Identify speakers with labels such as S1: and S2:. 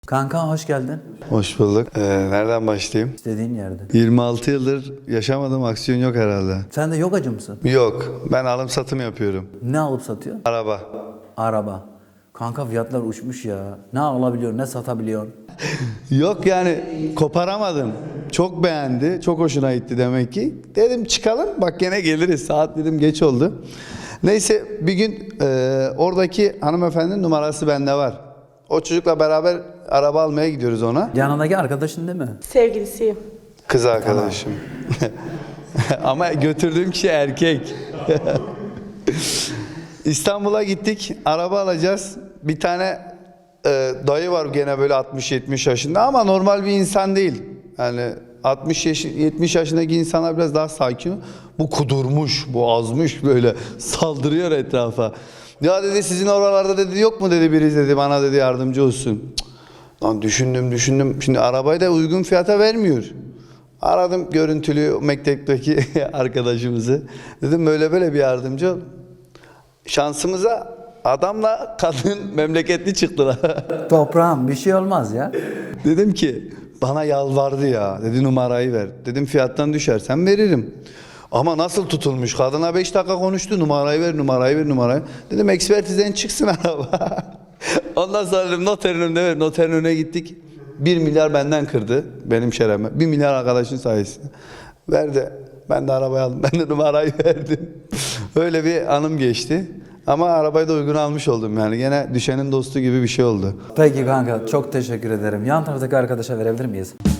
S1: Kanka hoş geldin.
S2: Hoş bulduk. Nereden başlayayım?
S1: İstediğin yerde.
S2: 26 yıldır yaşamadığım aksiyon yok herhalde.
S1: Sen de yogacı mısın?
S2: Yok. Ben alım satım yapıyorum.
S1: Ne alıp satıyor?
S2: Araba.
S1: Araba. Kanka fiyatlar uçmuş ya. Ne alabiliyorsun ne satabiliyorsun.
S2: Yok yani koparamadım. Çok beğendi. Çok hoşuna gitti demek ki. Dedim çıkalım bak gene geliriz. Saat dedim geç oldu. Neyse bir gün oradaki hanımefendinin numarası bende var. O çocukla beraber araba almaya gidiyoruz ona.
S1: Yanındaki arkadaşın değil mi?
S3: Sevgilisiyim.
S2: Kız arkadaşım. Ama götürdüğüm kişi erkek. İstanbul'a gittik. Araba alacağız. Bir tane dayı var gene böyle 60-70 yaşında ama normal bir insan değil. Yani 70 yaşındaki insanlar biraz daha sakin. Bu kudurmuş, bu azmış böyle saldırıyor etrafa. Ya dedi sizin oralarda dedi yok mu dedi biri dedi bana dedi yardımcı olsun. Cık. Lan düşündüm. Şimdi arabayı da uygun fiyata vermiyor. Aradım görüntülü mektepteki arkadaşımızı. Dedim böyle bir yardımcı ol. Şansımıza adamla kadın memleketli çıktılar.
S1: Toprağım bir şey olmaz ya.
S2: Dedim ki bana yalvardı ya. Dedi numarayı ver. Dedim fiyattan düşersen veririm. Ama nasıl tutulmuş? Kadına 5 dakika konuştu. Numarayı ver. Dedim ekspertizden çıksın araba. Ondan sonra dedim noterin önüne ver. Noterin önüne gittik. 1 milyar benden kırdı. Benim şerefime. 1 milyar arkadaşın sayesinde. Verdi. Ben de arabayı aldım. Ben de numarayı verdim. Öyle bir anım geçti. Ama arabayı da uygun almış oldum yani. Gene düşenin dostu gibi bir şey oldu.
S1: Peki kanka çok teşekkür ederim. Yan taraftaki arkadaşa verebilir miyiz?